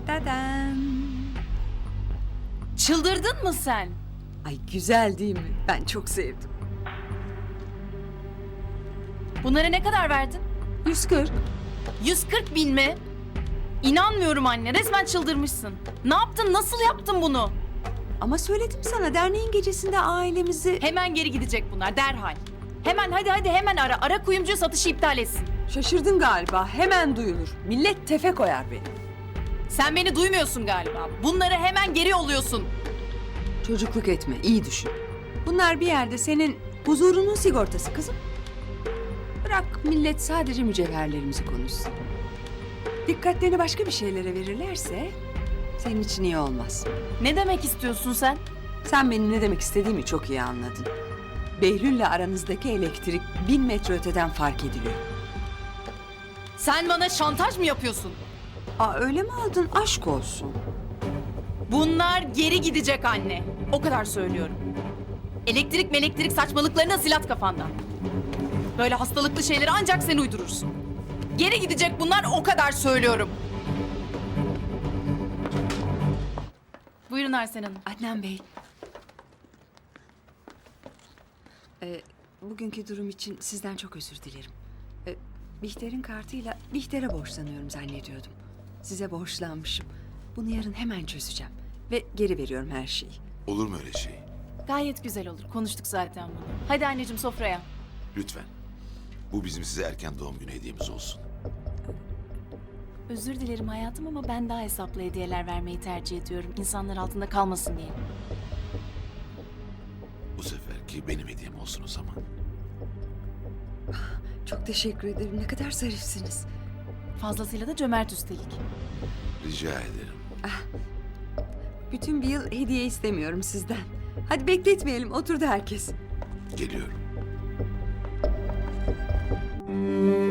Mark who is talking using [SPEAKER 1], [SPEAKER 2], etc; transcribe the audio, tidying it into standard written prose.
[SPEAKER 1] Dadan.
[SPEAKER 2] Çıldırdın mı sen?
[SPEAKER 1] Ay güzel değil mi? Ben çok sevdim.
[SPEAKER 2] Bunlara ne kadar verdin?
[SPEAKER 1] 140.
[SPEAKER 2] 140 bin mi? İnanmıyorum anne, resmen çıldırmışsın. Ne yaptın, nasıl yaptın bunu?
[SPEAKER 1] Ama söyledim sana derneğin gecesinde ailemizi...
[SPEAKER 2] Hemen geri gidecek bunlar, derhal. Hemen hadi hemen ara. Ara kuyumcuya satışı iptal etsin.
[SPEAKER 1] Şaşırdın galiba. Hemen duyulur. Millet tefe koyar beni.
[SPEAKER 2] Sen beni duymuyorsun galiba. Bunları hemen geri yolluyorsun.
[SPEAKER 1] Çocukluk etme. İyi düşün. Bunlar bir yerde senin huzurunun sigortası kızım. Bırak millet sadece mücevherlerimizi konuşsun. Dikkatlerini başka bir şeylere verirlerse senin için iyi olmaz.
[SPEAKER 2] Ne demek istiyorsun sen?
[SPEAKER 1] Sen benim ne demek istediğimi çok iyi anladın. Behlül'le aranızdaki elektrik 1000 metre öteden fark ediliyor.
[SPEAKER 2] Sen bana şantaj mı yapıyorsun?
[SPEAKER 1] Aa öyle mi aldın? Aşk olsun.
[SPEAKER 2] Bunlar geri gidecek anne. O kadar söylüyorum. Elektrik saçmalıklarına silat kafandan. Böyle hastalıklı şeyleri ancak sen uydurursun. Geri gidecek bunlar, o kadar söylüyorum. Buyurun Arsen Hanım.
[SPEAKER 1] Adnan Bey. Bugünkü durum için sizden çok özür dilerim. Bihter'in kartıyla Bihter'e borçlanıyorum zannediyordum. Size borçlanmışım. Bunu yarın hemen çözeceğim. Ve geri veriyorum her şeyi.
[SPEAKER 3] Olur mu öyle şey?
[SPEAKER 2] Gayet güzel olur. Konuştuk zaten bunu. Hadi anneciğim, sofraya.
[SPEAKER 3] Lütfen. Bu bizim size erken doğum günü hediyemiz olsun.
[SPEAKER 2] Özür dilerim hayatım ama ben daha hesaplı hediyeler vermeyi tercih ediyorum. İnsanlar altında kalmasın diye.
[SPEAKER 3] Bu seferki benim hediyem olsun o zaman.
[SPEAKER 1] Çok teşekkür ederim. Ne kadar zarifsiniz.
[SPEAKER 2] Fazlasıyla da cömert üstelik.
[SPEAKER 3] Rica ederim.
[SPEAKER 1] Bütün bir yıl hediye istemiyorum sizden. Hadi bekletmeyelim. Oturdu herkes.
[SPEAKER 3] Geliyorum.